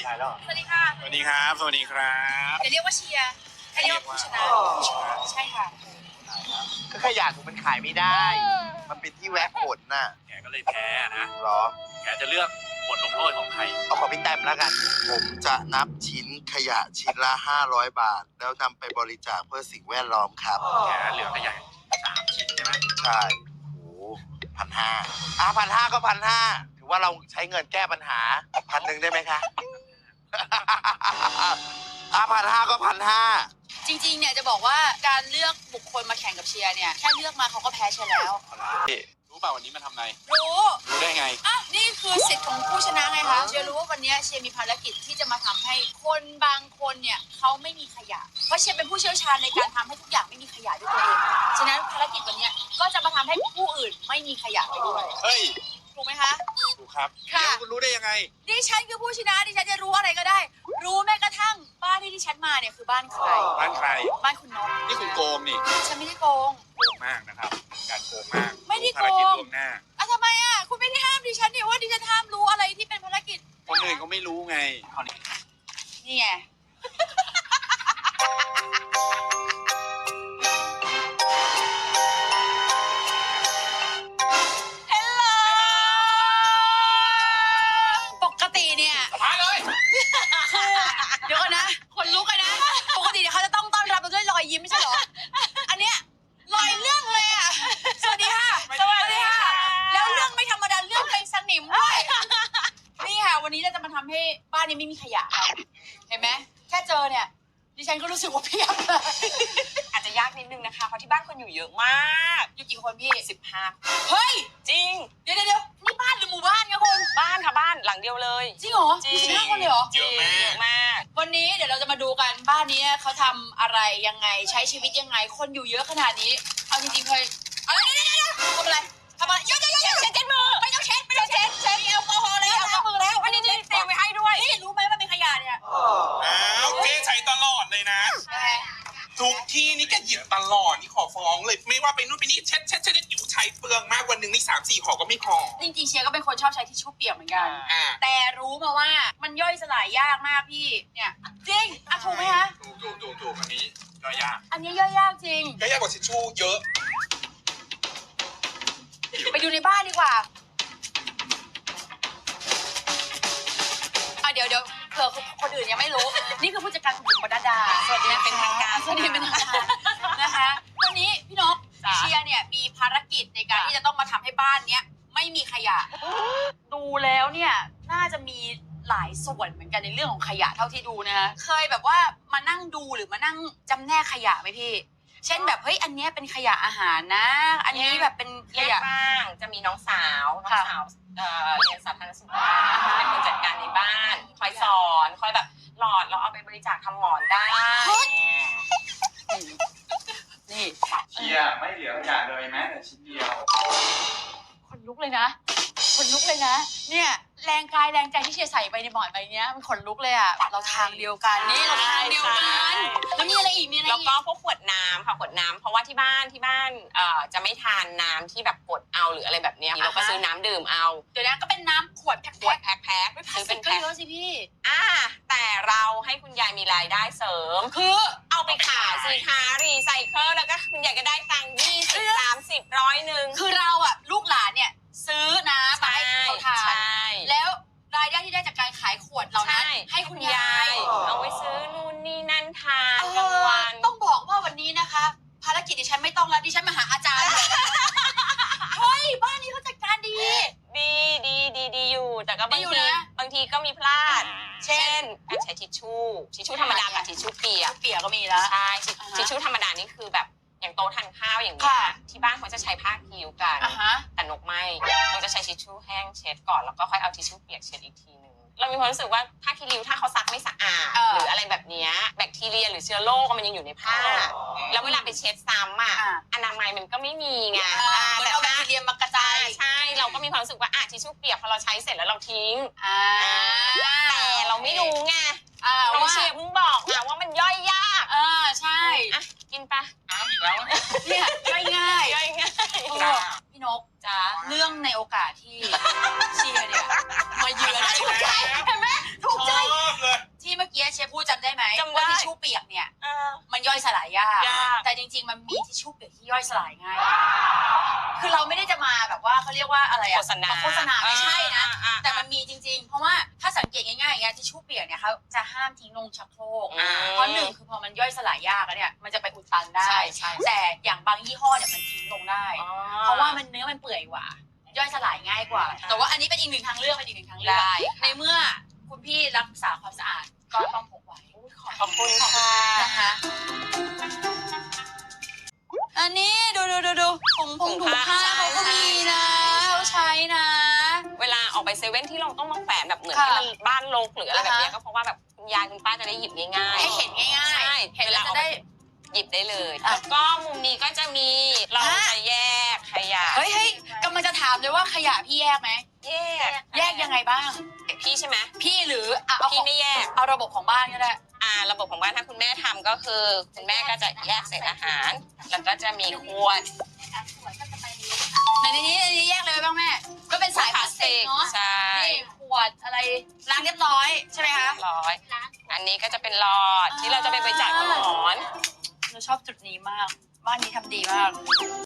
ได้แล้วสวัสดีค่ะสวัสดีครับ สวัสดีครับอย่าเรียกว่าเชียร์ให้เรียกว่าผู้ชนะใช่ค่ะก็ขยะมันขายไม่ได้ มันเป็นที่แวะขนน่ะแกก็เลยแพ้นะหรอแกจะเลือกบทลงโทษของใครเอาของพี่แต้มแล้วกัน ผมจะนับชิ้นขยะชิ้นละ500 บาท แล้วนำไปบริจาคเพื่อสิ่งแวดล้อมครับแกเหลือขยะ3 ชิ้นใช่ไหมใช่โอ้1,5001,500ก็1,500ถือว่าเราใช้เงินแก้ปัญหา1,000ได้ไหมคะ1,500ก็1,500 จริงๆเนี่ยจะบอกว่าการเลือกบุคคลมาแข่งกับเชียร์เนี่ยแค่เลือกมาเขาก็แพ้เชียร์แล้วรู้เปล่าวันนี้มาทำอะไรรู้รู้ได้ไงอ่ะนี่คือสิทธิ์ของผู้ชนะไงคะเชียร์รู้ว่าวันนี้เชียร์มีภารกิจที่จะมาทำให้คนบางคนเนี่ยเขาไม่มีขยะเพราะเชียร์เป็นผู้เชี่ยวชาญในการทำให้ทุกอย่างไม่มีขยะด้วยตัวเองฉะนั้นภารกิจวันนี้ก็จะมาทำให้ผู้อื่นไม่มีขยะไปด้วยเฮ้ยถูกไหมคะถูกครับค่ะเดี๋ยวคุณรู้ได้ยังไงดิฉันคือผู้ชนะดิฉันจะรู้อะไรก็ได้ รู้แม้กระทั่งบ้านที่ดิฉันมาเนี่ยคือบ้านใครบ้านใครบ้านคุณนกนี่คุณโกงนี่ฉันไม่ได้โกงโกงมากนะครับ การโกงมากไม่ได้โกงภารกิจล่วงหน้าอ่ะทำไมอ่ะคุณไม่ได้ห้ามดิฉันเนี่ยว่าดิฉันห้ามรู้อะไรที่เป็นภารกิจคนอื่นเขาไม่รู้ไงคราวนี้นี่ไงปกติเนี่ยมาเลยเดี๋ยวก่อนนะคนลุกเลยนะ ปกติเนี่ยเขาจะต้องต้อนรับเราด้วยรอยยิ้มไม่ใช่เหรอ อันเนี้ยรอยเรื่องเลยอ่ะ สวัสดีค่ะ สวัสดีค่ะ แล้วเรื่องไม่ธรรมดาเรื่องเป็นสนิมด้วยนี่ค่ะ วันนี้เราจะมาทำให้บ้านนี้ไม่มีขยะค่ะเห็นไหมแค่เจอเนี่ย ดิฉันก็รู้สึกว่าเพียบเลยอาจจะยากนิดนึงนะคะเพราะที่บ้านคนอยู่เยอะมากอยู่กี่คนพี่ 15 เฮ้ยจริงเดี๋ยวนี่บ้านหรือหมู่บ้านคะคุณบ้านค่ะบ้านหลังเดียวเลยจริงเหรอจริงมี15 คนเลยเหรอจริงเยอะมากวันนี้เดี๋ยวเราจะมาดูกันบ้านนี้เขาทำอะไรยังไงใช้ชีวิตยังไง คนอยู่เยอะขนาดนี้ เอาจริงๆเคยอะไรเดี๋ยวทำอะไรเยอะเช็ดมือไม่ต้องเช็ดเช็ดแอลกอฮอล์แล้วล้างมือแล้ววันนี้เตรียมไว้ให้ด้วยนี่รู้ไหมว่าเป็นขยะเนี่ยอ้าวเจ๊ใช้ตลอดเลยนะ ทุกที่นี่แกหยิบตลอดนี่ขอฟ้องเลยไม่ว่าไปนู่นไปนี่เช็ดอยู่ใช้เปลืองมากวันหนึ่งนี่3-4ห่อก็ไม่พอจริงๆเชียร์ก็เป็นคนชอบใช้ทิชชู่เปียกเหมือนกันอ่าแต่รู้มาว่ามันย่อยสลายยากมากพี่เนี่ยจริงอ่ะถูกไหมคะถูกอันนี้ก็ยากอันนี้ย่อยยากจริงก็ยากกว่าทิชชู่เยอะไปดูในบ้านดีกว่าเดี๋ยวเผื่อคนอื่นยังไม่รู้ นี่คือผู้จัดการคุณบุ๋มปนัดดาสวัสดีเป็นทางการสวัสดีเป็นทางการนะคะ วันนี้พี่นกจ้ะเชียร์เนี่ยมีภารกิจในการที่จะต้องมาทำให้บ้านเนี้ยไม่มีขยะ ดูแล้วเนี่ยน่าจะมีหลายส่วนเหมือนกันในเรื่องของขยะเท่าที่ดูนะคะเคยแบบว่ามานั่งดูหรือมานั่งจำแนกขยะไหมพี่ เช่นแบบเฮ้ยอันเนี้ยเป็นขยะอาหารนะ อันนี้แบบเป็นขแยกยะบ้างจะมีน้องสาวเรียนสาธารณสุขอ่าฮะเป็นคนจัดการในบ้าน คอยสอนคอยแบบหลอดเราเอาไปบริจาคทำหมอนได้นี่เชียร์ไม่เหลือขยะเลยแม้แต่ชิ้นเดียวคนลุกเลยนะคนลุกเลยนะ เนี่ยแรงกายแรงใจที่เชียร์ใส่ไปในหมอนใบเนี้ยมันขนลุกเลยอ่ะเราทางเดียวกันนี่เราทางเดียวกันแล้วมีอะไรอีกมีอะไรแล้วอีกก็พวกขวดน้ำค่ะขวดน้ำเพราะว่าที่บ้านจะไม่ทานน้ำที่แบบกดเอาหรืออะไรแบบเนี้ยเราก็ซื้อน้ำดื่มเอาเดี๋ยวนะก็เป็นน้ำขวดแพ็คขวดแพ็คไม่พลาซื้สอติเป็กนก็แพ็คเยอะสิพี่แต่เราให้คุณยายมีรายได้เสริมคือเอาไปขายสิคะรีไซเคิลแล้วก็คุณยายก็ได้ตังค์20 30 100 คือเราอ่ะลูกหลานเนี่ยซื้อน้ำมาให้เขาทาใช่นแล้วรายได้ที่ได้จากการขายขวดเหล่านั้นให้คุณยายเอาไว้ซื้อนู่นนี่นั่นทานเอกลางอวันต้องบอกว่าวันนี้นะคะ ภารกิจดิฉันไม่ต้องแล้วดิฉันมาหาอาจารย์เลยเฮ้ยบ้านนี้เขาจัดการดีดีอยู่แต่ก็บางดีอยู่ทีนะบางทีก็มีพลาดเช่นการใช้ทิชชู่ธรรมดากับทิชชู่เปียกเปียกก็มีแล้วใช่อ่าฮะทิชชู่ธรรมดานี่คือแบบอย่างโต๊ะทานข้าวอย่างเงี้ยค่ะที่บ้านเขาจะใช้ผ้าคิ้วกันอ่ะฮะแต่นกไม่เราจะใช้ทิชชู่แห้งเช็ดก่อนแล้วก็ค่อยเอาทิชชู่เปียกเช็ดอีกทีนึงเรามีความรู้สึกว่าผ้าคีริ้วถ้าเขาซักไม่สะอาดหรืออะไรแบบเนี้ยแบคทีเรียหรือเชื้อโรคมันยังอยู่ในผ้า แล้วเวลาไปเช็ดซ้ำอ่ะอนามัยมันก็ไม่มีไงมันเอาแบคทีเรียมากระจายใช่เราก็มีความรู้สึกว่าทิชชู่เปียกพอเราใช้เสร็จแล้วเราทิ้งอ่าแต่เราไม่รู้ไงอ่าน้องว่าเชียร์เพิ่งบอกนะว่ามันย่อยยากใช่อ่ะกินปะอ้าวอีกแล้วเนี่ยย่อยง่ายย่อยง่ายเออพี่นกจ้าเรื่องในโอกาสที่เชียร์เนี่ยมาเยือนถูกใจเห็นไหมถูกใจย่อยสลายง่าย คือเราไม่ได้จะมาแบบว่าเขาเรียกว่าอะไรอะโฆษณาโฆษณาไม่ใช่นะอ่าแต่มันมีจริงๆ เพราะว่าถ้าสังเกตง่ายๆอย่างเงี้ยทิชชู่เปียกเนี่ยเขาจะห้ามทิ้งลงชักโครก เพราะหนึ่งคือพอมันย่อยสลายยากแล้วเนี่ยมันจะไปอุดตันได้ใช่แต่อย่างบางยี่ห้อเนี่ยมันทิ้งลงได้ เพราะว่ามันเนื้อมันเปื่อยกว่า ย่อยสลายง่ายกว่า แต่ว่าอันนี้เป็นอีกหนึ่งทางเลือกเป็นอีกหนึ่งทางเลือกได้ในเมื่อคุณพี่รักษาความสะอาดก็ต้องพกไว้ขอบคุณค่ะนะคะอันนี้ดูถุงผ้าเขาก็มีนะเขาใช้นะเวลาออกไปเซเว่นที่เราต้องมาแขวนแบบเหมือนค่ะที่มันบ้านรกหรืออะไรแบบเนี้ยอ่าฮะก็เพราะว่าแบบคุณยายคุณป้าจะได้หยิบง่ายๆให้เห็นง่ายๆใช่เห็นแล้วจะได้หยิบได้เลยอ่ะแล้วก็มุมนี้ก็จะมีเราฮะจะแยกขยะเฮ้ยกำลังจะถามเลยว่าขยะพี่แยกไหม แยกยังไงบ้างพี่ใช่ไหมพี่หรือเอาพี่ไม่แยกเอาระบบของบ้านก็ได้ระบบของบ้านถ้าคุณแม่ทำก็คือคุณแม่ก็จะแยกเศษอาหาร แล้วก็จะมีขวดในนี้แยกเลยบ้างแม่ ก็เป็นสายพลาสติกเนาะใช่นี่ขวดอะไรล้างเรียบร้อยใช่ไหมคะร้อยอันนี้ก็จะเป็นหลอดที่เราจะไปบริจาคกับหมอนเราชอบจุดนี้มาก บ้านนี้ทำดีมาก